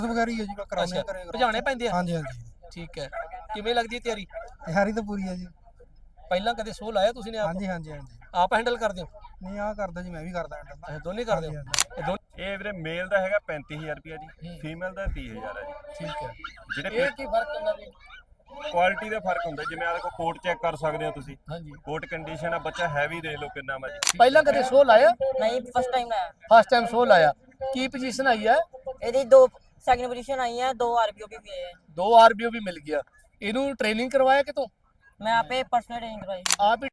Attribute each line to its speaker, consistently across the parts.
Speaker 1: ਵਗੈਰਾ ਹੀ ਹੈ ਜੀ, ਮੈਂ ਕਰਾਉਣੇ
Speaker 2: ਅੱਛਾ
Speaker 1: ਕਰੇ
Speaker 2: ਭਜਾਣੇ ਪੈਂਦੇ ਆ।
Speaker 1: ਹਾਂਜੀ ਹਾਂਜੀ
Speaker 2: ਠੀਕ ਹੈ, ਕਿਵੇਂ ਲੱਗਦੀ ਹੈ ਤਿਆਰੀ?
Speaker 1: ਤਿਆਰੀ ਤਾਂ ਪੂਰੀ ਹੈ ਜੀ।
Speaker 2: ਪਹਿਲਾਂ ਕਦੇ ਸੋਹ ਲਾਇਆ ਤੁਸੀਂ ਨੇ ਆਪ?
Speaker 1: ਹਾਂਜੀ ਹਾਂਜੀ ਹਾਂਜੀ
Speaker 2: ਆਪ ਹੈਂਡਲ ਕਰਦੇ ਹੋ?
Speaker 1: ਨਹੀਂ ਆਹ ਕਰਦਾ ਜੀ, ਮੈਂ ਵੀ ਕਰਦਾ ਹੈਂਡਲ।
Speaker 2: ਅੱਛਾ ਦੋਨੇ ਕਰਦੇ ਹੋ? ਇਹ ਦੋਨੇ
Speaker 3: ਇਹ ਵੀਰੇ ਮੇਲ ਦਾ ਹੈਗਾ 35000 ਰੁਪਿਆ ਜੀ, ਫੀਮੇਲ ਦਾ 30000 ਹੈ ਜੀ।
Speaker 2: ਠੀਕ ਹੈ।
Speaker 3: ਜਿਹੜੇ
Speaker 2: ਇਹ ਕੀ ਫਰਕ ਹੁੰਦਾ ਵੀ?
Speaker 3: ਕੁਆਲਿਟੀ ਦਾ ਫਰਕ ਹੁੰਦਾ, ਜਿਵੇਂ ਆ ਦੇਖੋ ਕੋਟ ਚੈੱਕ ਕਰ ਸਕਦੇ ਹੋ ਤੁਸੀਂ,
Speaker 2: ਹਾਂਜੀ
Speaker 3: ਕੋਟ ਕੰਡੀਸ਼ਨ ਆ, ਬੱਚਾ ਹੈਵੀ ਦੇਖ ਲਓ ਕਿੰਨਾ ਵਾ ਜੀ।
Speaker 2: ਪਹਿਲਾਂ ਕਦੇ ਸੋਹ ਲਾਇਆ?
Speaker 4: ਨਹੀਂ ਫਸਟ ਟਾਈਮ ਆਇਆ।
Speaker 2: ਫਸਟ ਟਾਈਮ ਸੋਹ ਲਾਇਆ। ਕੀ ਪੋਜੀਸ਼ਨ ਆਈ ਹੈ?
Speaker 4: ਇਹਦੀ ਦੋ ਸੈਕਿੰਡ ਪੋਜੀਸ਼ਨ आई है, 2 आरपीओ भी मिले हैं।
Speaker 2: 2 ਆਰਬੀਓ ਵੀ ਮਿਲ ਗਿਆ। ਇਹਨੂੰ ਟ੍ਰੇਨਿੰਗ ਕਰਵਾਇਆ ਕਿਤੋਂ?
Speaker 4: मैं यहाँ पे पर्सनल ट्रेनिंग करवाई।
Speaker 2: ਆਪ ਹੀ?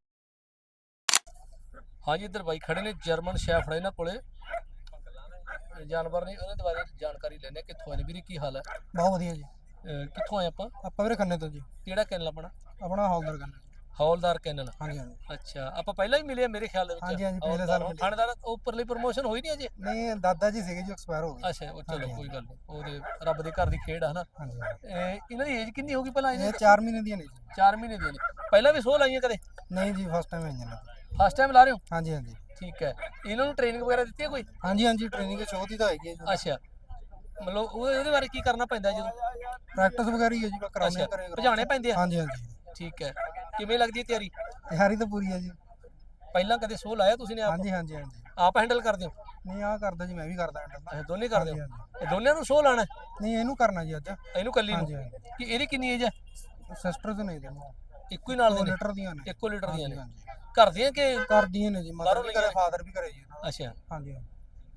Speaker 2: ਹਾਂਜੀ ਇੱਧਰ ਬਾਈ ਖੜੇ ਨੇ ਜਰਮਨ ਸ਼ੈਫਰਡ ਇਹਨਾਂ ਕੋਲੇ ਜਾਨਵਰ ਨੇ, ਉਹਨਾਂ ਦੇ ਬਾਰੇ ਜਾਣਕਾਰੀ ਲੈਣੇ ਕਿੱਥੋਂ ਆਏ ਨੇ ਵੀਰੇ, ਕੀ ਹਾਲ ਹੈ?
Speaker 1: ਬਹੁਤ ਵਧੀਆ ਜੀ।
Speaker 2: ਕਿੱਥੋਂ ਆਏ ਆਪਾਂ?
Speaker 1: ਆਪਾਂ ਵੀਰੇ ਖੰਨੇ ਤੋਂ ਜੀ।
Speaker 2: ਕਿਹੜਾ ਕੈਨਲ ਆਪਣਾ?
Speaker 1: ਆਪਣਾ ਹੌਲਦਾਰ ਕਰਨਾ।
Speaker 2: ਹੌਲਦਾਰ ਕੈਨਲ।
Speaker 1: ਹਾਂਜੀ ਹਾਂਜੀ
Speaker 2: ਅੱਛਾ ਆਪਾਂ ਪਹਿਲਾਂ ਹੀ ਮਿਲੇ ਆ ਮੇਰੇ ਖਿਆਲ ਦੇ ਵਿੱਚ।
Speaker 1: ਹਾਂਜੀ ਹਾਂਜੀ ਪਿਛਲੇ ਸਾਲ ਮਿਲੇ।
Speaker 2: ਥਾਣੇਦਾਰ ਉੱਪਰਲੀ ਪ੍ਰਮੋਸ਼ਨ ਹੋਈ ਨਹੀਂ ਅਜੇ?
Speaker 1: ਨਹੀਂ ਦਾਦਾ ਜੀ ਸੀਗੇ ਜੀ, ਐਕਸਪਾਇਰ ਹੋ ਗਏ।
Speaker 2: ਅੱਛਾ ਉਹ ਚਲੋ ਕੋਈ ਗੱਲ ਨਹੀਂ, ਉਹਦੇ ਰੱਬ ਦੇ ਘਰ ਦੀ ਖੇਡ ਆ ਹਨਾ।
Speaker 1: ਹਾਂਜੀ
Speaker 2: ਇਹਨਾਂ ਦੀ ਏਜ ਕਿੰਨੀ ਹੋਗੀ ਭਲਾ?
Speaker 1: ਇਹ 4 ਮਹੀਨੇ ਦੀਆਂ ਨੇ ਜੀ।
Speaker 2: 4 ਮਹੀਨੇ ਦੀਆਂ ਨੇ। ਪਹਿਲਾਂ ਵੀ ਸੋਹ ਲਾਈਆਂ ਕਦੇ?
Speaker 1: ਨਹੀਂ ਜੀ ਫਸਟ ਟਾਈਮ ਆਈਆਂ ਨੇ।
Speaker 2: ਫਸਟ ਟਾਈਮ ਲਾ ਰਹੇ ਹੋ?
Speaker 1: ਹਾਂਜੀ ਹਾਂਜੀ
Speaker 2: ਠੀਕ ਹੈ। ਇਹਨਾਂ ਨੂੰ ਟ੍ਰੇਨਿੰਗ ਵਗੈਰਾ ਦਿੱਤੀ ਹੈ ਕੋਈ?
Speaker 1: ਹਾਂਜੀ ਹਾਂਜੀ ਟ੍ਰੇਨਿੰਗ ਸ਼ੋਅ ਦੀ ਤਾਂ ਹੈਗੀ ਹੈ ਜੀ।
Speaker 2: ਅੱਛਾ ਮਤਲਬ ਉਹਦੇ ਬਾਰੇ ਕੀ ਕਰਨਾ ਪੈਂਦਾ ਜਦੋਂ?
Speaker 1: ਪ੍ਰੈਕਟਿਸ ਵਗੈਰਾ ਹੀ ਹੈ ਜੀ, ਮੈਂ ਕਰਾਉਣੇ
Speaker 2: ਅੱਛਾ
Speaker 1: ਕਰੇ।
Speaker 2: ਭਜਾਣੇ ਪੈਂਦੇ ਆ?
Speaker 1: ਹਾਂਜੀ ਹਾਂਜੀ
Speaker 2: ਠੀਕ ਹੈ, ਕਿਵੇਂ ਲੱਗਦੀ ਹੈ ਤਿਆਰੀ?
Speaker 1: ਤਿਆਰੀ ਤਾਂ ਪੂਰੀ ਹੈ ਜੀ।
Speaker 2: ਪਹਿਲਾਂ ਕਦੇ ਸੋਹ ਲਾਇਆ ਤੁਸੀਂ ਨੇ ਆਪ?
Speaker 1: ਹਾਂਜੀ ਹਾਂਜੀ ਹਾਂਜੀ
Speaker 2: ਆਪ ਹੈਂਡਲ ਕਰਦੇ ਹੋ?
Speaker 1: ਨਹੀਂ ਆਹ ਕਰਦਾ ਜੀ, ਮੈਂ ਵੀ ਕਰਦਾ ਹੈਂਡਲ।
Speaker 2: ਅੱਛਾ ਦੋਨੇ ਕਰਦੇ ਹੋ?
Speaker 1: ਹਾਂਜੀ
Speaker 2: ਇਹ ਦੋਨਿਆਂ ਨੂੰ ਸੋਹ ਲਾਣਾ?
Speaker 1: ਨਹੀਂ ਇਹਨੂੰ ਕਰਨਾ ਜੀ ਅੱਜ।
Speaker 2: ਇਹਨੂੰ ਕੱਲੀ ਨੂੰ?
Speaker 1: ਹਾਂਜੀ ਹਾਂਜੀ
Speaker 2: ਕਿ ਇਹਦੀ ਕਿੰਨੀ ਏਜ ਹੈ?
Speaker 1: ਸਿਸਟਰ ਤੋਂ ਨਹੀਂ ਦੇਣਾ,
Speaker 2: ਇੱਕੋ ਹੀ ਨਾਲ ਦੇ ਨੇ?
Speaker 1: ਲੀਟਰ ਦੀਆਂ ਨੇ।
Speaker 2: ਇੱਕੋ ਲੀਟਰ ਦੀਆਂ ਨੇ।
Speaker 1: ਹਾਂਜੀ
Speaker 2: ਘਰ ਦੀਆਂ ਕਿ?
Speaker 1: ਕਰਦੀਆਂ ਨੇ ਜੀ, ਮਦਰ
Speaker 2: ਬਾਹਰੋਂ
Speaker 1: ਵੀ
Speaker 2: ਲਈਆਂ
Speaker 1: ਕਰੇ
Speaker 2: ਨੇ?
Speaker 1: ਫਾਦਰ ਵੀ ਕਰੇ ਜੀ ਇਹਨਾਂ ਦਾ।
Speaker 2: ਅੱਛਾ
Speaker 1: ਹਾਂਜੀ ਹਾਂਜੀ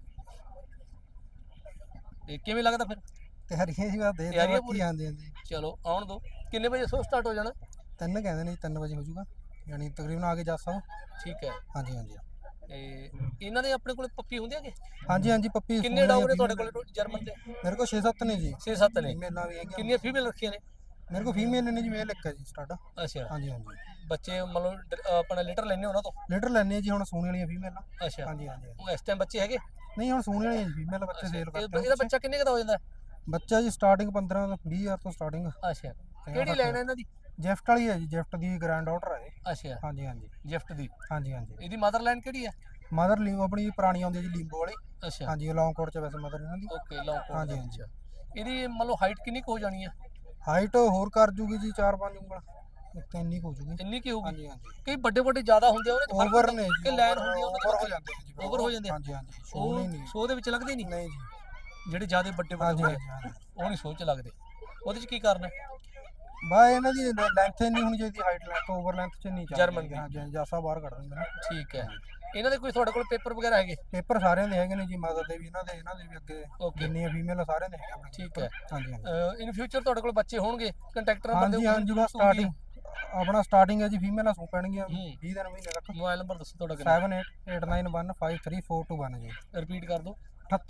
Speaker 2: ਤੇ ਕਿਵੇਂ ਲੱਗਦਾ ਫਿਰ?
Speaker 1: ਤਿਆਰੀਆਂ ਜੀ ਬਸ ਦੇ
Speaker 2: ਤਿਆਰੀਆਂ
Speaker 1: ਬਾਕੀ
Speaker 2: ਪੂਰੀ?
Speaker 1: ਹਾਂਜੀ ਹਾਂਜੀ
Speaker 2: ਚਲੋ ਆਉਣ ਦੋ। ਕਿੰਨੇ ਵਜੇ ਸੋਹ ਸਟਾਰਟ ਹੋ ਜਾਣਾ?
Speaker 1: 3 ਕਹਿੰਦੇ ਨੇ ਜੀ, 3 ਵਜੇ ਹੋ ਜਾਊਗਾ, ਯਾਨੀ ਤਕਰੀਬਨ ਆ ਕੇ ਜਾ ਸਕੋ।
Speaker 2: ਠੀਕ ਹੈ।
Speaker 1: ਹਾਂਜੀ ਹਾਂਜੀ
Speaker 2: ਤੇ ਇਹਨਾਂ ਦੇ ਆਪਣੇ ਕੋਲੇ ਪੱਪੀ ਹੁੰਦੇ ਹੈਗੇ?
Speaker 1: ਹਾਂਜੀ ਹਾਂਜੀ ਪੱਪੀ
Speaker 2: ਕਿੰਨੇ ਡੌਗ ਨੇ ਤੁਹਾਡੇ ਕੋਲੇ ਜਰਮਨ ਦੇ?
Speaker 1: ਮੇਰੇ ਕੋਲ 6-7 ਨੇ ਜੀ।
Speaker 2: 6-7 ਨੇ।
Speaker 1: ਫੀਮੇਲਾਂ ਵੀ ਹੈਗੀਆਂ।
Speaker 2: ਕਿੰਨੀਆਂ ਫੀਮੇਲ ਰੱਖੀਆਂ ਨੇ?
Speaker 1: ਮੇਰੇ ਕੋਲ ਫੀਮੇਲ ਨੇ ਜੀ, ਮੇਲ ਇੱਕ ਹੈ ਜੀ ਸਟਾਰਟ।
Speaker 2: ਅੱਛਾ
Speaker 1: ਹਾਂਜੀ ਹਾਂਜੀ
Speaker 2: ਬੱਚੇ ਮਤਲਬ ਆਪਣਾ ਲੀਟਰ ਲੈਣੇ ਉਹਨਾਂ ਤੋਂ?
Speaker 1: ਲੀਟਰ ਲੈਣੇ ਜੀ, ਹੁਣ ਸੂਣ ਵਾਲੀਆਂ ਫੀਮੇਲਾਂ।
Speaker 2: ਅੱਛਾ
Speaker 1: ਹਾਂਜੀ ਹਾਂਜੀ
Speaker 2: ਉਹ ਇਸ ਟਾਈਮ ਬੱਚੇ ਹੈਗੇ?
Speaker 1: ਨਹੀਂ ਹੁਣ ਸੂਣ ਵਾਲੀਆਂ ਜੀ ਫੀਮੇਲ, ਬੱਚੇ ਸੇਲ ਕਰਦੇ
Speaker 2: ਇਹਦਾ ਬੱਚਾ ਕਿੰਨੇ ਦਾ ਹੋ ਜਾਂਦਾ?
Speaker 1: ਬੱਚਾ ਜੀ ਸਟਾਰਟਿੰਗ 15-20 ਹਜ਼ਾਰ ਤੋਂ ਸਟਾਰਟਿੰਗ।
Speaker 2: ਅੱਛਾ ਕਿਹੜੀ ਲੈਣ ਇਹਨਾਂ ਦੀ?
Speaker 1: ਗਿਫਟ ਵਾਲੀ ਹੈ ਜੀ, ਗਿਫਟ ਦੀ ਗ੍ਰੈਂਡ ਆਰਡਰ ਹੈ ਇਹ।
Speaker 2: ਅੱਛਾ
Speaker 1: ਹਾਂਜੀ ਹਾਂਜੀ
Speaker 2: ਗਿਫਟ ਦੀ।
Speaker 1: ਹਾਂਜੀ ਹਾਂਜੀ
Speaker 2: ਇਹਦੀ ਮਦਰ ਲਾਈਨ ਕਿਹੜੀ ਹੈ?
Speaker 1: ਮਦਰ ਲਿੰਗੋ ਆਪਣੀ ਪੁਰਾਣੀ ਆਉਂਦੀ ਹੈ ਜੀ, ਲਿੰਗੋ ਵਾਲੀ।
Speaker 2: ਅੱਛਾ
Speaker 1: ਹਾਂਜੀ ਲੌਂਗ ਕੋਟ ਚ ਵੈਸੇ ਮਦਰ ਇਹਨਾਂ ਦੀ।
Speaker 2: ਓਕੇ ਲੌਂਗ ਕੋਟ
Speaker 1: ਹਾਂਜੀ
Speaker 2: ਦੇ
Speaker 1: ਹਾਂਜੀ
Speaker 2: ਵਿੱਚ। ਇਹਦੀ ਮਤਲਬ ਹਾਈਟ ਕਿੰਨੀ ਕੁ ਹੋ ਜਾਣੀ ਹੈ?
Speaker 1: ਹਾਈਟ ਹੋਰ ਕਰ ਜੂਗੀ ਜੀ 4-5 ਉਂਗਲ, ਇੱਕ ਇੰਨੀ ਕੁ ਹੋ ਜੂਗੀ।
Speaker 2: ਇੰਨੀ ਕੀ ਹੋਊਗੀ?
Speaker 1: ਹਾਂਜੀ ਹਾਂਜੀ
Speaker 2: ਕਈ ਵੱਡੇ ਵੱਡੇ ਜ਼ਿਆਦਾ ਹੁੰਦੇ ਆ ਉਹਦੇ ਚ ਫਰਕ
Speaker 1: ਓਵਰ
Speaker 2: ਹੁੰਦਾ
Speaker 1: ਨੇ ਜੀ,
Speaker 2: ਕਿ ਲਾਈਨ ਹੁੰਦੀ ਆ
Speaker 1: ਓਵਰ ਹੋ ਜਾਂਦੇ ਨੇ ਜੀ।
Speaker 2: ਓਵਰ ਹੋ ਜਾਂਦੇ ਆ?
Speaker 1: ਹਾਂਜੀ ਹਾਂਜੀ
Speaker 2: ਉਹ
Speaker 1: ਸੋਹ ਨਹੀਂ
Speaker 2: ਸੋਹ ਦੇ ਵਿੱਚ ਲੱਗਦੇ ਨਹੀਂ?
Speaker 1: ਨਹੀਂ ਜੀ।
Speaker 2: ਜਿਹੜੇ ਜ਼ਿਆਦਾ ਵੱਡੇ ਵੱਡੇ
Speaker 1: ਹਾਂਜੀ
Speaker 2: ਹੁੰਦੇ
Speaker 1: ਹਾਂਜੀ
Speaker 2: ਆ
Speaker 1: ਹਾਂਜੀ
Speaker 2: ਉਹ ਨਹੀਂ ਸੋਹ ਚ ਲੱਗਦੇ। ਉਹਦੇ ਚ ਕੀ ਕਰਨਾ?
Speaker 1: ਬਾ ਇਹਨਾਂ ਦੀ ਲੈਂਥ ਇੰਨੀ ਹੋਣੀ ਚਾਹੀਦੀ, ਹਾਈਟ ਲੈਂਥ ਓਵਰ ਲੈਂਥ ਚ ਨਹੀਂ ਚਾਹੀਦੀ।
Speaker 2: ਜਰਮਨ ਦੀ।
Speaker 1: ਹਾਂਜੀ ਹਾਂਜੀ ਜਾਸਾ ਬਾਹਰ ਕੱਢ ਦਿੰਦੇ ਨੇ।
Speaker 2: ਠੀਕ ਹੈ। ਇਹਨਾਂ ਦੇ ਕੋਈ ਤੁਹਾਡੇ ਕੋਲ ਪੇਪਰ ਵਗੈਰਾ ਹੈਗੇ?
Speaker 1: ਪੇਪਰ ਸਾਰਿਆਂ ਦੇ ਹੈਗੇ ਨੇ ਜੀ, ਮਦਰ ਦੇ ਵੀ, ਇਹਨਾਂ ਦੇ ਵੀ ਅੱਗੇ
Speaker 2: ਓਕੇ
Speaker 1: ਜਿੰਨੀਆਂ ਫੀਮੇਲ ਸਾਰਿਆਂ ਦੇ ਹੈਗੇ ਆਪਣੇ
Speaker 2: ਠੀਕ
Speaker 1: ਕੋਲ।
Speaker 2: ਹੈ।
Speaker 1: ਹਾਂਜੀ ਹਾਂਜੀ
Speaker 2: ਇਨ ਫਿਊਚਰ ਤੁਹਾਡੇ ਕੋਲ ਬੱਚੇ ਹੋਣਗੇ? ਕੰਟੈਕਟ ਨੰਬਰ
Speaker 1: ਹਾਂਜੀ ਹਾਂਜੀ ਬਸ ਸਟਾਰਟਿੰਗ ਆਪਣਾ ਸਟਾਰਟਿੰਗ ਹੈ ਜੀ, ਫੀਮੇਲਾਂ ਸੂ ਪੈਣਗੀਆਂ 20 ਦਿਨ ਮਹੀਨੇ ਤੱਕ।
Speaker 2: ਮੋਬਾਈਲ ਨੰਬਰ ਦੱਸੋ ਤੁਹਾਡਾ ਕਿੰਨਾ?
Speaker 1: 7889153421 ਜੀ।
Speaker 2: ਰਿਪੀਟ ਕਰ ਦਿਓ।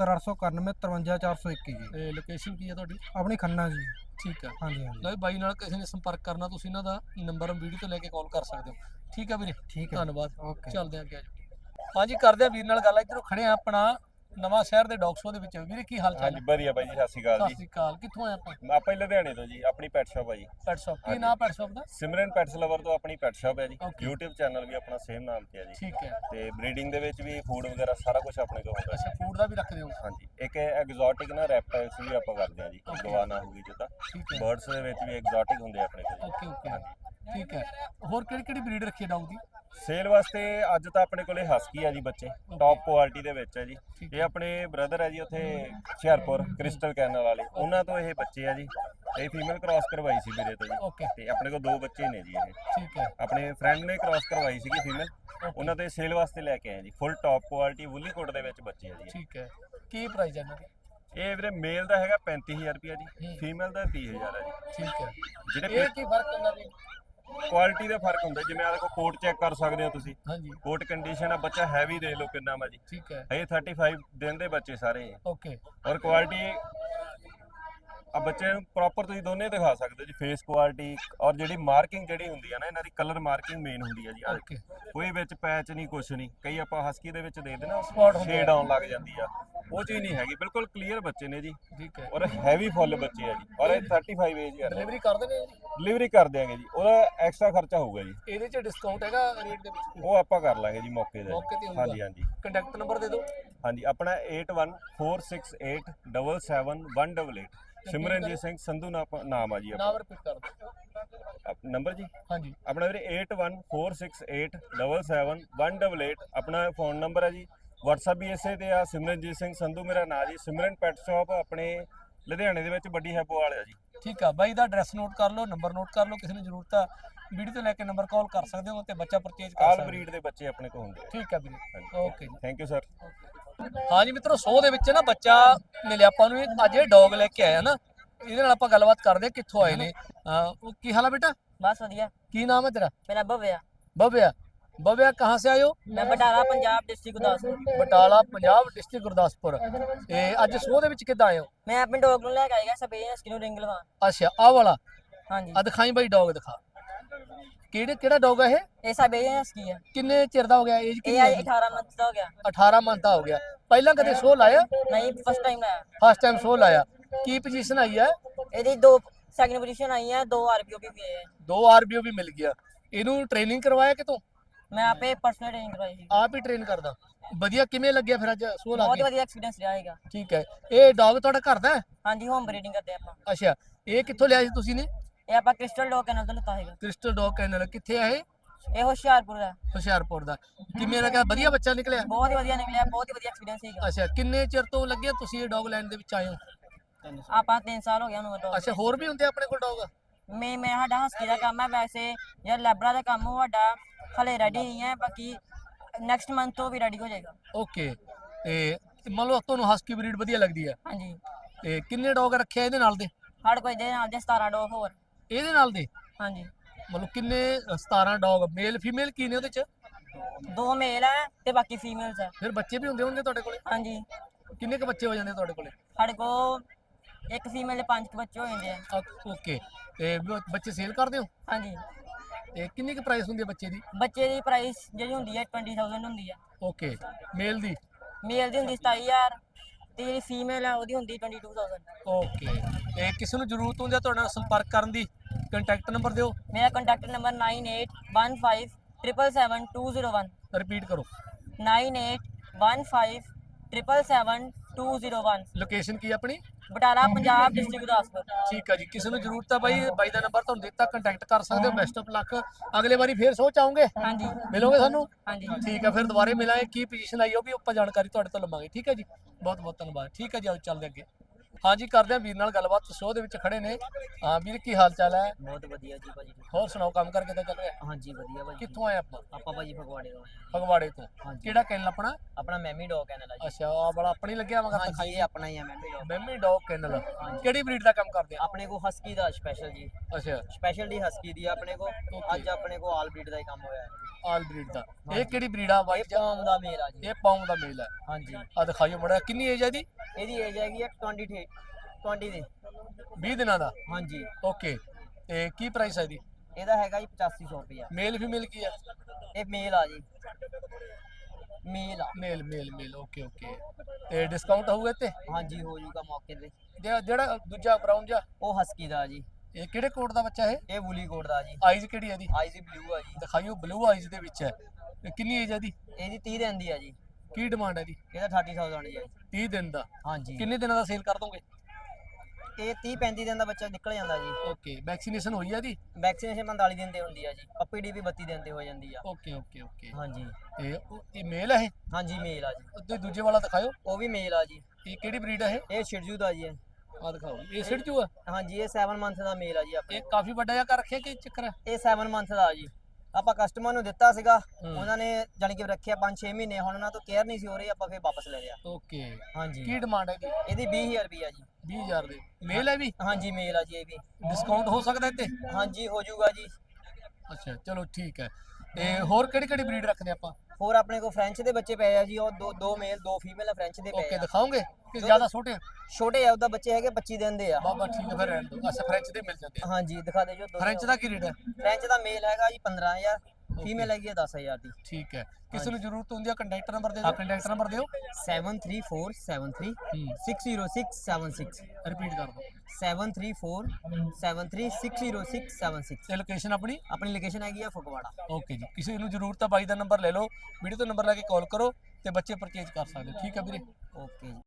Speaker 1: 78891 53421 ਜੀ।
Speaker 2: ਲੋਕੇਸ਼ਨ ਕੀ ਹੈ ਤੁਹਾਡੀ?
Speaker 1: ਆਪਣੀ ਖੰਨਾ ਜੀ।
Speaker 2: ਠੀਕ ਹੈ।
Speaker 1: ਹਾਂਜੀ ਹਾਂਜੀ
Speaker 2: ਲੈ ਬਾਈ ਨਾਲ ਕਿਸੇ ਨੇ ਸੰਪਰਕ ਕਰਨਾ ਤੁਸੀਂ ਇਹਨਾਂ ਦਾ ਨੰਬਰ ਵੀਡੀਓ ਤੋਂ ਲੈ ਕੇ ਕਾਲ ਕਰ ਸਕਦੇ ਹੋ। ਠੀਕ ਹੈ ਵੀਰੇ
Speaker 1: ਠੀਕ ਹੈ।
Speaker 2: ਧੰਨਵਾਦ।
Speaker 1: ਓਕੇ
Speaker 2: ਚੱਲਦੇ ਆ ਅੱਗੇ। ਹਾਂਜੀ ਕਰਦੇ ਆ ਵੀਰ ਨਾਲ ਗੱਲ। ਇੱਧਰੋਂ ਖੜੇ ਆ ਆਪਣਾ ਨਵਾਂ ਸ਼ਹਿਰ ਦੇ ਡੌਗ ਸ਼ੋ ਦੇ ਵਿੱਚ। ਵੀਰੇ ਕੀ ਹਾਲ ਚਾਲ
Speaker 3: ਹਾਂਜੀ ਵਧੀਆ ਬਾਈ ਜੀ, ਸਤਿ ਸ਼੍ਰੀ ਅਕਾਲ
Speaker 2: ਸਤਿ
Speaker 3: ਜੀ।
Speaker 2: ਸ੍ਰੀ ਅਕਾਲ। ਕਿੱਥੋਂ ਆਏ ਆਪਾਂ?
Speaker 3: ਆਪਾਂ ਹੀ ਲੁਧਿਆਣੇ ਤੋਂ ਜੀ, ਆਪਣੀ ਪੈਟ ਸ਼ਾਪ ਆ ਜੀ।
Speaker 2: ਪੈਟ ਸ਼ਾਪ ਕੀ ਨਾਮ ਪੈਟ ਸ਼ਾਪ ਦਾ?
Speaker 3: ਸਿਮਰਨ ਪੈਟਸ ਲਵਰ ਤੋਂ ਆਪਣੀ ਪੈਟ ਸ਼ਾਪ ਹੈ ਜੀ।
Speaker 2: Okay.
Speaker 3: YouTube ਚੈਨਲ ਵੀ ਆਪਣਾ ਸੇਮ ਨਾਮ ਤੇ ਹੈ ਜੀ।
Speaker 2: ਠੀਕ ਹੈ।
Speaker 3: ਤੇ ਬਰੀਡਿੰਗ ਦੇ ਵਿੱਚ ਵੀ ਫੂਡ ਵਗੈਰਾ ਸਾਰਾ ਕੁਝ ਆਪਣੇ ਕੋਲ ਹੁੰਦਾ
Speaker 2: ਅੱਛਾ
Speaker 3: ਹੈ।
Speaker 2: ਫੂਡ ਦਾ ਵੀ ਰੱਖਦੇ ਹੋ?
Speaker 3: ਹਾਂਜੀ ਇੱਕ ਐਗਜ਼ੋਟਿਕ ਨਾ ਰੈਪਟਾਈਲਸ ਵੀ ਆਪਾਂ ਕਰਦੇ ਆ ਜੀ। ਗਵਾਨਾ ਹੋ ਗਈ ਜਿੱਦਾਂ,
Speaker 2: ਠੀਕ ਹੈ।
Speaker 3: ਬਰਡਸ ਦੇ ਵਿੱਚ ਵੀ ਐਗਜ਼ੋਟਿਕ ਹੁੰਦੇ ਆ ਆਪਣੇ ਕੋਲ।
Speaker 2: ਓਕੇ ਓਕੇ ਠੀਕ ਹੈ। ਹੋਰ ਕਿਹੜੀ ਕਿਹੜੀ ਬਰੀਡ ਰੱਖੀ ਹੈ ਡੌਗ ਦੀ?
Speaker 3: ਸੇਲ ਵਾਸਤੇ ਅੱਜ ਤਾਂ ਆਪਣੇ ਕੋਲੇ ਹਸਕੀ ਆ ਜੀ, ਬੱਚੇ ਟੌਪ ਕੁਆਲਿਟੀ ਦੇ ਵਿੱਚ ਹੈ ਜੀ। ਇਹ ਆਪਣੇ ਬ੍ਰਦਰ ਹੈ ਜੀ ਉੱਥੇ ਹੁਸ਼ਿਆਰਪੁਰ ਕ੍ਰਿਸਟਲ ਕੈਨਲ ਵਾਲੇ, ਉਹਨਾਂ ਤੋਂ ਇਹ ਬੱਚੇ ਆ ਜੀ। ਇਹ ਫੀਮੇਲ ਕ੍ਰਾਸ ਕਰਵਾਈ ਸੀ ਵੀਰੇ ਤੋਂ ਜੀ।
Speaker 2: ਓਕੇ
Speaker 3: ਤੇ ਆਪਣੇ ਕੋਲ 2 ਬੱਚੇ ਨੇ ਜੀ ਇਹ।
Speaker 2: ਠੀਕ ਹੈ।
Speaker 3: ਆਪਣੇ ਫਰੈਂਡ ਨੇ ਕ੍ਰਾਸ ਕਰਵਾਈ ਸੀਗੀ ਫੀਮੇਲ, ਉਹਨਾਂ ਤੇ ਸੇਲ ਵਾਸਤੇ ਲੈ ਕੇ ਆਏ ਜੀ। ਫੁੱਲ ਟੌਪ ਕੁਆਲਿਟੀ ਵੁੱਲੀ ਕੋਟ ਦੇ ਵਿੱਚ ਬੱਚੇ ਆ ਜੀ।
Speaker 2: ਠੀਕ ਹੈ। ਕੀ ਪ੍ਰਾਈਸ ਹੈ ਇਹਨਾਂ ਦੀ?
Speaker 3: ਇਹ ਵੀਰੇ ਮੇਲ ਦਾ ਹੈਗਾ 35000 ਰੁਪਿਆ ਜੀ, ਫੀਮੇਲ ਦਾ 30000 ਹੈ ਜੀ।
Speaker 2: ਠੀਕ ਹੈ।
Speaker 3: ਜਿਹੜੇ
Speaker 2: ਇਹ ਕੀ ਫਰਕ ਹੁੰਦਾ ਵੀ?
Speaker 3: ਕੁਆਲਿਟੀ ਦਾ ਫਰਕ ਹੁੰਦਾ, ਜਿਵੇਂ ਆ ਦੇਖੋ ਕੋਟ ਚੈੱਕ ਕਰ ਸਕਦੇ ਹੋ ਤੁਸੀਂ,
Speaker 2: ਹਾਂਜੀ
Speaker 3: ਕੋਟ ਕੰਡੀਸ਼ਨ ਆ, ਬੱਚਾ ਹੈਵੀ ਦੇਖ ਲਓ ਕਿੰਨਾ ਵਾ ਜੀ।
Speaker 2: ਠੀਕ ਹੈ।
Speaker 3: ਇਹ 35 ਦਿਨ ਦੇ ਬੱਚੇ ਸਾਰੇ ਇਹ।
Speaker 2: ਓਕੇ
Speaker 3: ਔਰ ਕੁਆਲਿਟੀ ਆ ਬੱਚੇ ਨੂੰ ਪ੍ਰੋਪਰ ਤੁਸੀਂ ਦੋਨੇ ਦਿਖਾ ਸਕਦੇ ਹੋ ਜੀ। ਫੇਸ ਕੁਆਲਿਟੀ ਔਰ ਜਿਹੜੀ ਮਾਰਕਿੰਗ ਜਿਹੜੀ ਹੁੰਦੀ ਆ ਨਾ ਇਹਨਾਂ ਦੀ, ਕਲਰ ਮਾਰਕਿੰਗ ਮੇਨ ਹੁੰਦੀ ਆ ਜੀ। ਆ
Speaker 2: ਓਕੇ
Speaker 3: ਕੋਈ ਵਿੱਚ ਪੈਚ ਨਹੀਂ, ਕੁਛ ਨਹੀਂ। ਕਈ ਆਪਾਂ ਹਸਕੀ ਦੇ ਵਿੱਚ ਦੇਖਦੇ ਨਾ
Speaker 2: Spot ਹੁੰਦੇ
Speaker 3: ਸ਼ੇਡ ਆਉਣ ਲੱਗ ਜਾਂਦੀ ਆ, ਉਹ ਚੀਜ਼ ਨਹੀਂ ਹੈਗੀ। ਬਿਲਕੁਲ ਕਲੀਅਰ ਬੱਚੇ ਨੇ ਜੀ,
Speaker 2: ਠੀਕ ਹੈ।
Speaker 3: ਔਰ ਹੈਵੀ ਫੁੱਲ ਬੱਚੇ ਆ ਜੀ। ਔਰ ਇਹ 35 ਏਜ ਆ।
Speaker 2: ਡਿਲੀਵਰੀ ਕਰ ਦਿੰਦੇ ਹੋ ਜੀ?
Speaker 3: ਡਿਲੀਵਰੀ ਕਰ ਦਿਆਂਗੇ ਜੀ, ਉਹਦਾ ਐਕਸਟਰਾ ਖਰਚਾ ਹੋਊਗਾ ਜੀ।
Speaker 2: ਇਹਦੇ 'ਚ ਡਿਸਕਾਊਂਟ ਹੈਗਾ ਰੇਟ ਦੇ ਵਿੱਚ?
Speaker 3: ਉਹ ਆਪਾਂ ਕਰ ਲਾਂਗੇ ਜੀ ਮੌਕੇ ਤੇ।
Speaker 2: ਮੌਕੇ ਤੇ ਹੋਊਗਾ।
Speaker 3: ਹਾਂਜੀ ਹਾਂਜੀ।
Speaker 2: ਕੰਟੈਕਟ ਨੰਬਰ ਦੇ ਦਿਓ।
Speaker 3: ਹਾਂਜੀ ਆਪਣਾ 8146877188 ਸਿਮਰਨਜੀਤ ਸਿੰਘ ਸੰਧੂ ਨਾਮ ਆ ਜੀ
Speaker 2: ਨਾਮ ਰਿਪੀਟ ਕਰ ਦਿਓ
Speaker 3: ਨੰਬਰ ਜੀ
Speaker 2: ਹਾਂਜੀ
Speaker 3: ਆਪਣਾ ਵੀਰੇ 8146877188 ਆਪਣਾ ਫੋਨ ਨੰਬਰ ਹੈ ਜੀ WhatsApp ਵੀ ਇਸੇ ਤੇ ਆ ਸਿਮਰਨਜੀਤ ਸਿੰਘ ਸੰਧੂ ਮੇਰਾ ਨਾਂ ਜੀ ਸਿਮਰਨ ਪੈਟ ਸ਼ਾਪ ਆਪਣੇ ਲੁਧਿਆਣੇ ਦੇ ਵਿੱਚ ਵੱਡੀ ਹੈਪੋਵਾਲ ਆ ਜੀ
Speaker 2: ਠੀਕ ਆ ਬਾਈ ਦਾ ਐਡਰੈਸ ਨੋਟ ਕਰ ਲਓ ਨੰਬਰ ਨੋਟ ਕਰ ਲਓ ਕਿਸੇ ਨੂੰ ਜ਼ਰੂਰਤ ਆ ਵੀਡੀਓ ਤੇ ਲੈ ਕੇ ਨੰਬਰ ਕਾਲ ਕਰ ਸਕਦੇ ਹੋ ਤੇ ਬੱਚਾ ਪਰਚੇਜ ਕਰ
Speaker 3: ਆਲ
Speaker 2: ਸਕਦੇ
Speaker 3: ਬਰੀਡ ਦੇ ਬੱਚੇ ਆਪਣੇ ਕੋਲ ਹੁੰਦੇ
Speaker 2: ਠੀਕ ਆ ਵੀਰੇ ਓਕੇ ਜੀ
Speaker 3: ਥੈਂਕ ਯੂ ਸਰ
Speaker 2: ਹਾਂਜੀ ਮਿੱਤਰੋ ਸੋ ਦੇ ਵਿੱਚ ਨਾ ਬੱਚਾ ਮਿਲਿਆ ਆਪਾਂ ਨੂੰ ਅੱਜ ਇਹ ਡੌਗ ਲੈ ਕੇ ਆਇਆ ਨਾ ਇਹਦੇ ਨਾਲ ਆਪਾਂ ਗੱਲਬਾਤ ਕਰਦੇ ਹਾਂ ਕਿੱਥੋਂ ਆਏ ਨੇ ਉਹ ਕੀ ਹਾਲ ਆ ਬੇਟਾ
Speaker 4: बस वधिया
Speaker 2: ਕੀ ਨਾਮ ਹੈ ਤੇਰਾ
Speaker 4: मेरा भव्या
Speaker 2: भव्या भव्या कहाँ से आए हो
Speaker 4: मैं बटाला पंजाब डिस्ट्रिक्ट गुरदासपुर
Speaker 2: ਬਟਾਲਾ ਪੰਜਾਬ ਡਿਸਟ੍ਰਿਕਟ ਗੁਰਦਾਸਪੁਰ ਤੇ ਅੱਜ ਸੋ ਦੇ ਵਿੱਚ ਕਿੱਦਾਂ ਆਏ ਹੋ
Speaker 4: मैं अपने डॉग ਨੂੰ ਲੈ ਕੇ ਆਇਆ ਸਪੇਨ ਸਕਿਨੂ ਰਿੰਗ ਲਵਾਂ
Speaker 2: ਅੱਛਾ ਆਹ ਵਾਲਾ
Speaker 4: ਹਾਂਜੀ
Speaker 2: ਆ ਦਿਖਾਈ ਬਾਈ ਡੌਗ ਦਿਖਾ ਕਿਹੜਾ ਡੌਗ ਹੈ ਇਹ
Speaker 4: ਇਹ ਸਪੇਨ ਹਸਕੀ ਹੈ
Speaker 2: ਕਿੰਨੇ ਚਿਰ ਦਾ ਹੋ ਗਿਆ ਏਜ ਕਿੰਨੀ
Speaker 4: ਇਹ
Speaker 2: ਹੈ
Speaker 4: 18 ਮੰਥ ਦਾ ਹੋ ਗਿਆ
Speaker 2: 18 ਮੰਥ ਦਾ ਹੋ ਗਿਆ ਪਹਿਲਾਂ ਕਦੇ ਸੋ ਲਾਇਆ
Speaker 4: ਨਹੀਂ ਫਸਟ ਟਾਈਮ ਲਾਇਆ
Speaker 2: ਫਸਟ ਟਾਈਮ ਸੋ ਲਾਇਆ ਕੀ ਪੋਜੀਸ਼ਨ ਆਈ ਹੈ
Speaker 4: ਇਹਦੀ ਦੋ ਸੈਕਿੰਡ ਪੋਜੀਸ਼ਨ ਆਈ ਹੈ 2 ਆਰਪੀਓ ਵੀ ਆਏ ਹੈ
Speaker 2: 2 ਆਰਬੀਓ ਵੀ ਮਿਲ ਗਿਆ ਇਹਨੂੰ ਟ੍ਰੇਨਿੰਗ ਕਰਵਾਇਆ ਕਿਤੋਂ
Speaker 4: ਮੈਂ ਆਪੇ ਪਰਸਨਲ ਟ੍ਰੇਨਿੰਗ ਕਰਵਾਈ ਸੀ
Speaker 2: ਆਪ ਹੀ ਟ੍ਰੇਨ ਕਰਦਾ ਵਧੀਆ ਕਿਵੇਂ ਲੱਗਿਆ ਫਿਰ ਅੱਜ ਸੋ ਲਾ
Speaker 4: ਬਹੁਤ
Speaker 2: ਕੇ
Speaker 4: ਵਧੀਆ ਐਕਸਪੀਰੀਅੰਸ ਰਿਹਾ ਹੈਗਾ
Speaker 2: ਠੀਕ ਹੈ ਇਹ ਡੌਗ ਤੁਹਾਡਾ ਘਰ ਦਾ ਹੈ
Speaker 4: ਹਾਂਜੀ ਹੋਮ ਬਰੀਡਿੰਗ ਕਰਦੇ ਆਪਾਂ
Speaker 2: ਅੱਛਾ ਇਹ ਕਿੱਥੋਂ ਲਿਆ ਸੀ ਤੁਸੀਂ ਨੇ
Speaker 4: ਇਹ ਆਪਾਂ ਕ੍ਰਿਸਟਲ ਡੌਗ ਕੈਨਲ ਤੋਂ ਲਿੱਤਾ ਹੈਗਾ
Speaker 2: ਕ੍ਰਿਸਟਲ ਡੌਗ ਕੈਨਲ ਕਿੱਥੇ ਆ ਇਹ
Speaker 4: ਇਹ ਹੁਸ਼ਿਆਰਪੁਰ ਦਾ
Speaker 2: ਹੁਸ਼ਿਆਰਪੁਰ ਦਾ ਕਿਵੇਂ ਲੱਗਾ ਵਧੀਆ ਬੱਚਾ ਨਿਕਲਿਆ
Speaker 4: ਬਹੁਤ ਹੀ ਵਧੀਆ ਨਿਕਲਿਆ ਬਹੁਤ ਹੀ ਵਧੀਆ ਐਕਸਪੀਰੀਅੰਸ ਹੈਗਾ
Speaker 2: ਅੱਛਾ ਕਿੰਨੇ ਚਿਰ ਤੋਂ ਲੱਗਿਆ ਤੁਸੀਂ ਇਹ ਡੌਗ ਲੈਣ ਦੇ ਵਿੱਚ ਆਏ ਹੋ
Speaker 4: ਆਪਾਂ 3 ਸਾਲ ਹੋ ਗਿਆ ਨੂੰ ਡੌਗ
Speaker 2: ਅੱਛਾ ਹੋਰ ਵੀ ਹੁੰਦੇ ਆਪਣੇ ਕੋਲ ਡੌਗ
Speaker 4: ਮੈਂ ਸਾਡਾ ਹਸਕੀ ਦਾ ਕੰਮ ਹੈ ਵੈਸੇ ਜਾਂ ਲੈਬਰਾ ਦਾ ਕੰਮ ਸਾਡਾ ਹਲੇ ਰੈਡੀ ਨਹੀਂ ਹੈ ਬਾਕੀ ਨੈਕਸਟ ਮੰਥ ਤੋਂ ਵੀ ਰੈਡੀ ਹੋ ਜਾਏਗਾ
Speaker 2: ਓਕੇ ਤੇ ਮੰਨ ਲਓ ਤੁਹਾਨੂੰ ਹਸਕੀ ਬਰੀਡ ਵਧੀਆ ਲੱਗਦੀ ਹੈ
Speaker 4: ਹਾਂਜੀ
Speaker 2: ਤੇ ਕਿੰਨੇ ਡੌਗ ਰੱਖਿਆ ਇਹਦੇ ਨਾਲ ਦੇ
Speaker 4: ਸਾਡੇ ਕੋਲ ਇਹਦੇ ਨਾਲ ਦੇ 17 ਡੌਗ ਹੋਰ
Speaker 2: ਇਹਦੇ ਨਾਲ ਦੇ
Speaker 4: ਹਾਂਜੀ
Speaker 2: ਮਤਲਬ ਕਿੰਨੇ 17 ਡੌਗ ਮੇਲ ਫੀਮੇਲ ਕੀ ਨੇ ਉਹਦੇ ਚ
Speaker 4: 2 ਮੇਲ ਹੈ ਤੇ ਬਾਕੀ ਫੀਮੇਲਸ ਹੈ
Speaker 2: ਫਿਰ ਬੱਚੇ ਵੀ ਹੁੰਦੇ ਹੋਣਗੇ ਤੁਹਾਡੇ ਕੋਲੇ
Speaker 4: ਹਾਂਜੀ
Speaker 2: ਕਿੰਨੇ ਕ ਬੱਚੇ ਹੋ ਜਾਂਦੇ ਤੁਹਾਡੇ ਕੋਲੇ
Speaker 4: ਸਾਡੇ ਕੋਲ ਇੱਕ ਫੀਮੇਲ ਦੇ 5 ਬੱਚੇ ਹੋ ਜਾਂਦੇ ਆ
Speaker 2: ਓਕੇ ਤੇ ਬੱਚੇ ਸੇਲ ਕਰਦੇ ਹੋ
Speaker 4: ਹਾਂਜੀ
Speaker 2: ਤੇ ਕਿੰਨੀ ਕੁ ਪ੍ਰਾਈਸ ਹੁੰਦੀ ਹੈ ਬੱਚੇ ਦੀ
Speaker 4: ਬੱਚੇ ਦੀ ਪ੍ਰਾਈਸ ਜਿਹੜੀ ਹੁੰਦੀ ਹੈ 20000 ਹੁੰਦੀ ਹੈ
Speaker 2: ਓਕੇ ਮੇਲ ਦੀ
Speaker 4: ਮੇਲ ਦੀ ਹੁੰਦੀ 27000 ਤੇ ਜਿਹੜੀ ਫੀਮੇਲ ਹੈ ਉਹਦੀ ਹੁੰਦੀ 22000
Speaker 2: ਓਕੇ ਤੇ ਕਿਸੇ ਨੂੰ ਜ਼ਰੂਰਤ ਹੁੰਦੀ ਹੈ ਤੁਹਾਡੇ ਨਾਲ ਸੰਪਰਕ ਕਰਨ ਦੀ ਕੰਟੈਕਟ ਨੰਬਰ ਦਿਓ
Speaker 4: ਮੇਰਾ ਕੰਟੈਕਟ ਨੰਬਰ 9815777201
Speaker 2: ਰਿਪੀਟ ਕਰੋ
Speaker 4: 9815777201
Speaker 2: ਲੋਕੇਸ਼ਨ ਕੀ ਹੈ ਆਪਣੀ
Speaker 4: ਬਟਾਲਾ ਪੰਜਾਬ ਡਿਸਟ੍ਰਿਕਟ ਗੁਰਦਾਸਪੁਰ
Speaker 2: ਠੀਕ ਹੈ ਜੀ ਕਿਸੇ ਨੂੰ ਜ਼ਰੂਰਤ ਹੈ ਬਾਈ ਦਾ ਨੰਬਰ ਤੁਹਾਨੂੰ ਦਿੱਤਾ ਕੰਟੈਕਟ ਕਰ ਸਕਦੇ ਹੋ ਬੈਸਟ ਆਫ ਲੱਕ ਅਗਲੇ ਵਾਰੀ ਫੇਰ ਸੋਚ ਆਉਂਗੇ
Speaker 4: ਹਾਂਜੀ
Speaker 2: ਮਿਲੋਗੇ ਸਾਨੂੰ
Speaker 4: ਹਾਂਜੀ
Speaker 2: ਠੀਕ ਹੈ ਫਿਰ ਦੁਬਾਰੇ ਮਿਲਾਂਗੇ ਕੀ ਪੋਜੀਸ਼ਨ ਆਈ ਉਹ ਵੀ ਆਪਾਂ ਜਾਣਕਾਰੀ ਤੁਹਾਡੇ ਤੋਂ ਲਵਾਂਗੇ ਠੀਕ ਹੈ ਜੀ ਬਹੁਤ ਬਹੁਤ ਧੰਨਵਾਦ ਠੀਕ ਹੈ ਜੀ ਆਓ ਚੱਲਦੇ ਅੱਗੇ ਹਾਂਜੀ ਕਰਦੇ ਆ ਵੀਰ ਨਾਲ ਗੱਲਬਾਤ ਸ਼ੋਅ ਦੇ ਵਿੱਚ ਖੜੇ ਨੇ ਹਾਂ ਵੀਰ ਕੀ ਹਾਲ ਚਾਲ ਹੈ
Speaker 5: ਬਹੁਤ ਵਧੀਆ ਜੀ ਭਾਜੀ
Speaker 2: ਹੋਰ ਸੁਣਾਓ ਕੰਮ ਕਰ ਕਿੱਦਾਂ ਚੱਲ ਰਿਹਾ
Speaker 5: ਹਾਂਜੀ ਵਧੀਆ ਭਾਜੀ
Speaker 2: ਕਿੱਥੋਂ ਆਏ ਆਪਾਂ
Speaker 5: ਆਪਾਂ ਭਾਜੀ ਫਗਵਾੜੇ ਤੋਂ ਆਏ ਹਾਂ।
Speaker 2: ਫਗਵਾੜੇ ਤੋਂ
Speaker 5: ਹਾਂਜੀ।
Speaker 2: ਕਿਹੜਾ ਕੈਨਲ ਆਪਣਾ
Speaker 5: ਆਪਣਾ ਮੈਮੀ ਡੌਗ ਕੈਨਲ ਆ ਜੀ
Speaker 2: ਅੱਛਾ ਆ ਬੜਾ ਆਪਣੀ ਲੱਗਿਆ ਮਗਰ
Speaker 5: ਹਾਂਜੀ
Speaker 2: ਦਿਖਾਈ
Speaker 5: ਇਹ ਆਪਣਾ ਹੀ ਆ mummy dog
Speaker 2: mummy dog kennel ਕਿਹੜੀ ਬਰੀਡ ਦਾ ਕੰਮ ਕਰਦੇ ਆ
Speaker 5: ਆਪਣੇ ਕੋ ਹਸਕੀ ਦਾ ਸਪੈਸ਼ਲ ਜੀ
Speaker 2: ਅੱਛਾ
Speaker 5: ਸਪੈਸ਼ਲਟੀ ਹਸਕੀ ਦੀ ਆ ਆਪਣੇ ਕੋ
Speaker 2: Okay.
Speaker 5: ਅੱਜ ਆਪਣੇ ਕੋ ਆਲ ਬਰੀਡ ਦਾ ਹੀ ਕੰਮ ਹੋਇਆ ਹੈ
Speaker 2: ਆਲ ਬਰੀਡ ਦਾ ਇਹ ਕਿਹੜੀ ਬਰੀਡ ਆ
Speaker 5: ਇਹ
Speaker 2: ਵਾਈਟ
Speaker 5: ਪੌਮ ਦਾ ਮੇਲ ਆ ਜੀ
Speaker 2: ਇਹ ਪੌਮ ਦਾ ਮੇਲ ਹੈ
Speaker 5: ਹਾਂਜੀ
Speaker 2: ਆ ਦਿਖਾਈਓ ਮੜਾ ਕਿੰਨੀ ਏਜ ਹੈ ਇਹਦੀ
Speaker 5: ਇਹਦੀ ਏਜ ਹੈਗੀ ਹੈ 20 ਦੀ
Speaker 2: 20 ਦਿਨਾਂ ਦਾ
Speaker 5: ਹਾਂਜੀ
Speaker 2: ਓਕੇ ਤੇ ਕੀ ਪ੍ਰਾਈਸ ਹੈ ਇਹਦੀ
Speaker 5: ਇਹਦਾ ਹੈਗਾ ਜੀ 8500 ਰੁਪਇਆ
Speaker 2: ਮੇਲ ਫੀਮੇਲ ਕੀ ਹੈ
Speaker 5: ਇਹ ਮੇਲ ਆ ਜੀ ਮੇਲ ਆ
Speaker 2: ਮੇਲ ਓਕੇ ਓਕੇ ਤੇ ਡਿਸਕਾਊਂਟ ਹੋਊਗਾ ਤੇ
Speaker 5: ਹਾਂਜੀ ਹੋ ਜੂਗਾ ਮੌਕੇ ਤੇ
Speaker 2: ਜਿਹੜਾ ਦੂਜਾ ਬਰਾਊਨ ਜਿਹਾ
Speaker 5: ਉਹ ਹਸਕੀ ਦਾ ਜੀ
Speaker 2: ਇਹ ਕਿਹੜੇ ਕੋਟ ਦਾ ਬੱਚਾ ਹੈ
Speaker 5: ਇਹ ਵੂਲੀ ਕੋਟ ਦਾ ਜੀ
Speaker 2: ਆਈਜ਼ ਕਿਹੜੀ ਹੈ ਇਹਦੀ
Speaker 5: ਆਈਜ਼ ਬਲੂ ਆ ਜੀ
Speaker 2: ਦਿਖਾਈਓ ਬਲੂ ਆਈਜ਼ ਦੇ ਵਿੱਚ ਹੈ ਤੇ ਕਿੰਨੀ ਏਜ ਹੈ ਇਹਦੀ
Speaker 5: ਇਹਦੀ 30 ਦਿਨ ਦੀ ਆ ਜੀ
Speaker 2: ਕੀ ਡਿਮਾਂਡ ਹੈ ਇਹਦੀ
Speaker 5: ਇਹਦਾ 30000 ਜੀ
Speaker 2: 30 ਦਿਨ ਦਾ
Speaker 5: ਹਾਂਜੀ
Speaker 2: ਕਿੰਨੇ ਦਿਨਾਂ ਦਾ ਸੇਲ ਕਰ ਦੋਗੇ
Speaker 5: ਇਹ 30-35 ਦਿਨ ਦਾ ਬੱਚਾ ਨਿਕਲ ਜਾਂਦਾ ਜੀ
Speaker 2: ਓਕੇ ਵੈਕਸੀਨੇਸ਼ਨ ਹੋਈ ਹੈ ਇਹਦੀ
Speaker 5: ਵੈਕਸੀਨੇਸ਼ਨ 45 ਦਿਨ ਤੇ ਹੁੰਦੀ ਆ ਜੀ ਪੱਪੀ ਡੀ ਵੀ 32 ਦਿਨ ਤੇ ਹੋ ਜਾਂਦੀ ਆ
Speaker 2: ਓਕੇ ਓਕੇ ਓਕੇ
Speaker 5: ਹਾਂਜੀ
Speaker 2: ਤੇ ਇਹ ਮੇਲ ਹੈ
Speaker 5: ਹਾਂਜੀ ਮੇਲ ਆ ਜੀ
Speaker 2: ਤੇ ਦੂਜੇ ਵਾਲਾ ਦਿਖਾਓ
Speaker 5: ਉਹ ਵੀ ਮੇਲ ਆ ਜੀ
Speaker 2: ਇਹ ਕਿਹੜੀ ਬਰੀਡ ਹੈ
Speaker 5: ਇਹ ਸ਼ਿਡਜੂ ਦਾ ਜੀ
Speaker 2: ਆ ਦਿਖਾਓ ਇਹ ਸਿਰ ਜੂ ਆ
Speaker 5: ਹਾਂਜੀ ਇਹ 7 ਮੰਥ ਦਾ ਮੇਲ ਆ ਜੀ ਆਪਣੇ
Speaker 2: ਇਹ ਕਾਫੀ ਵੱਡਾ ਜਿਹਾ ਕਰ ਰੱਖਿਆ ਕਿ ਚੱਕਰ ਹੈ
Speaker 5: ਇਹ 7 ਮੰਥ ਦਾ ਜੀ ਆਪਾਂ ਕਸਟਮਰ ਨੂੰ ਦਿੱਤਾ ਸੀਗਾ ਉਹਨਾਂ ਨੇ ਜਾਨੀ ਕਿ ਰੱਖਿਆ 5-6 ਮਹੀਨੇ ਹੁਣ ਉਹਨਾਂ ਤੋਂ ਕੇਅਰ ਨਹੀਂ ਸੀ ਹੋ ਰਹੀ ਆਪਾਂ ਫੇਰ ਵਾਪਸ ਲੈ ਲਿਆ
Speaker 2: ਓਕੇ
Speaker 5: ਹਾਂਜੀ
Speaker 2: ਕੀ ਡਿਮਾਂਡ ਹੈ ਇਹਦੀ
Speaker 5: ਇਹਦੀ 20000 ਰੁਪਿਆ ਜੀ
Speaker 2: 20000 ਦੇ ਮੇਲ ਹੈ ਵੀ
Speaker 5: ਹਾਂਜੀ ਮੇਲ ਆ ਜੀ ਇਹ ਵੀ
Speaker 2: ਡਿਸਕਾਊਂਟ ਹੋ ਸਕਦਾ ਇੱਥੇ
Speaker 5: ਹਾਂਜੀ ਹੋ ਜਾਊਗਾ ਜੀ
Speaker 2: ਅੱਛਾ ਚਲੋ ਠੀਕ ਹੈ ਤੇ ਹੋਰ ਕਿਹੜੀ ਕਿਹੜੀ ਬਰੀਡ ਰੱਖਦੇ ਆਪਾਂ
Speaker 5: ਹੋਰ ਆਪਣੇ ਕੋਲ ਫ੍ਰੈਂਚ ਦੇ ਬੱਚੇ ਪਏ ਆ ਜੀ ਉਹ ਦੋ ਮੇਲ 2 ਫੀਮੇਲ ਆ ਫ੍ਰੈਂਚ ਦੇ ਪਏ
Speaker 2: ਓਕੇ
Speaker 5: ਆ
Speaker 2: ਦਿਖਾਓਗੇ ਕਿ ਜ਼ਿਆਦਾ ਛੋਟੇ ਆ
Speaker 5: ਛੋਟੇ ਆ ਉਹਦਾ ਬੱਚੇ ਹੈਗੇ 25 ਦਿਨ ਦੇ ਆ
Speaker 2: ਬਾਬਾ ਠੀਕ ਹੈ ਫਿਰ ਰਹਿਣ ਦਿਓ ਅੱਛਾ ਫ੍ਰੈਂਚ ਦੇ ਮਿਲ ਜਾਂਦੇ ਆ
Speaker 5: ਹਾਂਜੀ ਦਿਖਾ ਦੇ ਜੋ
Speaker 2: ਫ੍ਰੈਂਚ ਦਾ ਕੀ ਰੇਟ ਹੈ
Speaker 5: ਫ੍ਰੈਂਚ ਦਾ ਮੇਲ ਹੈਗਾ ਜੀ 15000 ਫੀਮੇਲ ਹੈਗੀ ਆ 10000 ਦੀ।
Speaker 2: ਠੀਕ ਹੈ, ਕਿਸੇ ਨੂੰ ਜ਼ਰੂਰਤ ਹੁੰਦੀ ਆ ਕੰਟੈਕਟ ਨੰਬਰ ਦੇ ਦਿਓ, ਕੰਟੈਕਟ ਨੰਬਰ ਦਿਓ।
Speaker 5: 7347360676
Speaker 2: ਰਿਪੀਟ ਕਰ ਦਿਓ।
Speaker 5: 7347360676
Speaker 2: ਤੇ ਲੋਕੇਸ਼ਨ ਆਪਣੀ।
Speaker 5: ਆਪਣੀ ਲੋਕੇਸ਼ਨ ਹੈਗੀ ਆ ਫਗਵਾੜਾ।
Speaker 2: ਓਕੇ ਜੀ, ਕਿਸੇ ਨੂੰ ਜ਼ਰੂਰਤ ਆ ਬਾਈ ਦਾ ਨੰਬਰ ਲੈ ਲਓ, ਵੀਡੀਓ ਤੋਂ ਨੰਬਰ ਲੈ ਕੇ ਕਾਲ ਕਰੋ ਤੇ ਬੱਚੇ ਪਰਚੇਜ ਕਰ ਸਕਦੇ ਹੋ। ਠੀਕ ਹੈ ਵੀਰੇ।
Speaker 5: ਓਕੇ ਜੀ।